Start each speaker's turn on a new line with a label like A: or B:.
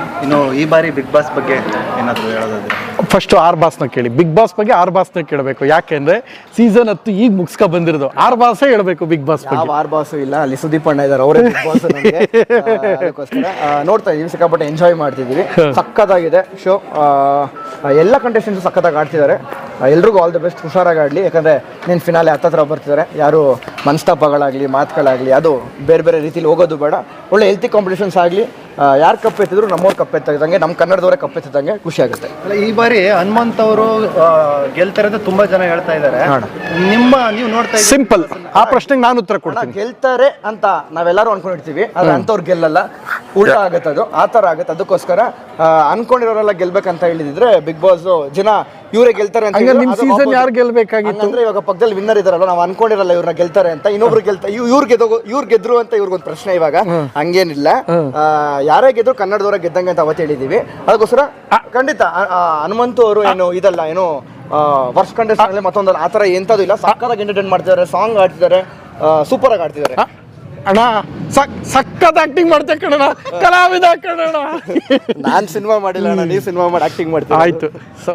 A: ಇನ್ನು ಈ ಬಾರಿ ಬಿಗ್ ಬಾಸ್ ಬಗ್ಗೆ ಏನಾದರೂ ಹೇಳೋದಾದ್ರೆ?
B: ಫಸ್ಟ್ ಆರ್ ಬಾಸ್ನ ಕೇಳಿ. ಬಿಗ್ ಬಾಸ್ ಬಗ್ಗೆ ಆರ್ ಬಾಸ್ನ ಕೇಳಬೇಕು. ಯಾಕೆಂದ್ರೆ ಸೀಸನ್ 10 ಈಗ ಮುಗಿಸ್ಕೊ ಬಂದಿರೋದು. ಆರ್ ಬಾಸೇ ಹೇಳ್ಬೇಕು ಬಿಗ್ ಬಾಸ್ ಬಗ್ಗೆ.
C: ಯಾವ ಆರ್ ಬಾಸು ಇಲ್ಲ, ಅಲ್ಲಿ ಸುದೀಪ್ ಅಣ್ಣ ಇದ್ದಾರೆ, ಅವರೇ ಬಿಗ್ ಬಾಸ್ ನಮಗೆ. ಅದಕ್ಕೋಸ್ಕರ ನೋಡ್ತಾ ಇದೀವಿ, ಸಿಕ್ಕಾಪಟ್ಟೆ ಎಂಜಾಯ್ ಮಾಡ್ತಿದ್ದೀವಿ. ಸಖತ್ತಾಗಿದೆ ಶೋ. ಎಲ್ಲ ಕಂಟೆಸ್ಟೆಂಟ್ಸ್ ಸಖತ್ತಾಗಿ ಆಡ್ತಿದ್ದಾರೆ. ಎಲ್ರಿಗೂ ಆಲ್ ದಿ ಬೆಸ್ಟ್, ಹುಷಾರಾಗಿ ಆಡಲಿ. ಯಾಕಂದರೆ ನೀನು ಫಿನಾಲೆ ಹತ್ತತ್ರ ಬರ್ತಿದ್ದಾರೆ. ಯಾರು ಮನಸ್ತಾಪಗಳಾಗಲಿ ಮಾತುಗಳಾಗಲಿ ಅದು ಬೇರೆ ಬೇರೆ ರೀತಿಲಿ ಹೋಗೋದು ಬೇಡ. ಒಳ್ಳೆ ಹೆಲ್ತಿ ಕಾಂಪಿಟೇಷನ್ಸ್ ಆಗಲಿ. ಯಾರು ಕಪ್ಪೆತ್ತಿದ್ರು ನಮ್ಮವ್ರು ಕಪ್ಪೆತ್ತಿದಂಗೆ, ನಮ್ಮ ಕನ್ನಡದವರೇ ಕಪ್ಪೆತ್ತಿದಂಗೆ ಖುಷಿ ಆಗುತ್ತೆ.
A: ಅಲ್ಲ, ಈ ಬಾರಿ ಹನುಮಂತ್ ಅವರು ಗೆಲ್ತಾರೆ ಅಂತ ತುಂಬಾ ಜನ ಹೇಳ್ತಾ ಇದ್ದಾರೆ. ನೀವು ನೋಡ್ತಾ ಇದ್ದೀರಿ?
B: ಸಿಂಪಲ್, ಆ ಪ್ರಶ್ನೆಗೆ ನಾನು ಉತ್ತರ ಕೊಡ್ತೀನಿ.
C: ಗೆಲ್ತಾರೆ ಅಂತ ನಾವೆಲ್ಲರೂ ಅನ್ಕೊಂಡಿರ್ತೀವಿ, ಆದ್ರೆ ಅಂಥವ್ರು ಗೆಲ್ಲಲ್ಲ, ಉಲ್ಟಾ ಆಗತ್ತೆ. ಅದು ಆ ಥರ ಆಗುತ್ತೆ. ಅದಕ್ಕೋಸ್ಕರ ಅನ್ಕೊಂಡಿರೋರೆಲ್ಲ ಗೆಲ್ಬೇಕಂತ ಹೇಳಿದ್ರೆ ಬಿಗ್ ಬಾಸ್ ಜನ ಇವರೇ ಗೆಲ್ತಾರೆ ಅಂತ.
B: ನಿಮ್ ಸೀಸನ್ ಯಾರು ಗೆಲ್ಬೇಕಾಗಿತ್ತು
C: ಅಂದ್ರೆ ಇವಾಗ ಪಕ್ಕದಲ್ಲಿ ವಿನ್ನರ್ ಇದಾರಲ್ಲ, ನಾವು ಅನ್ಕೊಂಡಿರಲ್ಲ ಇವ್ರನ್ನ ಗೆಲ್ತಾರೆ ಅಂತ, ಇನ್ನೊಬ್ರು ಇವ್ರು ಗೆದ್ರು ಅಂತ ಇವ್ರಿಗೊಂದು ಪ್ರಶ್ನೆ. ಇವಾಗ ಹಂಗೇನಿಲ್ಲ, ಯಾರೇ ಗೆದ್ರು ಕನ್ನಡದವರ ಗೆದ್ದಂಗೆ ಅಂತ ಅವತ್ತು ಹೇಳಿದೀವಿ. ಅದಕ್ಕೋಸ್ಕರ ಖಂಡಿತ ಹನುಮಂತು ಅವರು ಏನು ಇದಲ್ಲ, ಏನು ವರ್ಷ ಕಂಟೆಸ್ಟೆಂಟ್ ಮತ್ತೊಂದಲ್ಲ, ಆ ಥರ ಎಂಥದ್ದು ಇಲ್ಲ. ಸಕ್ಕತ್ತಾಗಿ ಎಂಟರ್ಟೈನ್ ಮಾಡ್ತಿದ್ದಾರೆ, ಸಾಂಗ್ ಆಡ್ತಿದ್ದಾರೆ, ಸೂಪರ್ ಆಗಿ ಆಡ್ತಿದ್ದಾರೆ.
B: ಅಣ್ಣ ಸಕ್ಕತ್ ಆಕ್ಟಿಂಗ್ ಮಾಡ್ತೆ ಕಣಣ್ಣ, ಕಲಾವಿದ ಕಣಣ್ಣ.
C: ನಾನ್ ಸಿನಿಮಾ ಮಾಡಿಲ್ಲ ಅಣ್ಣ, ನೀವು ಸಿನಿಮಾ ಮಾಡಿ ಆಕ್ಟಿಂಗ್ ಮಾಡ್ತೀವಿ.
B: ಆಯ್ತು.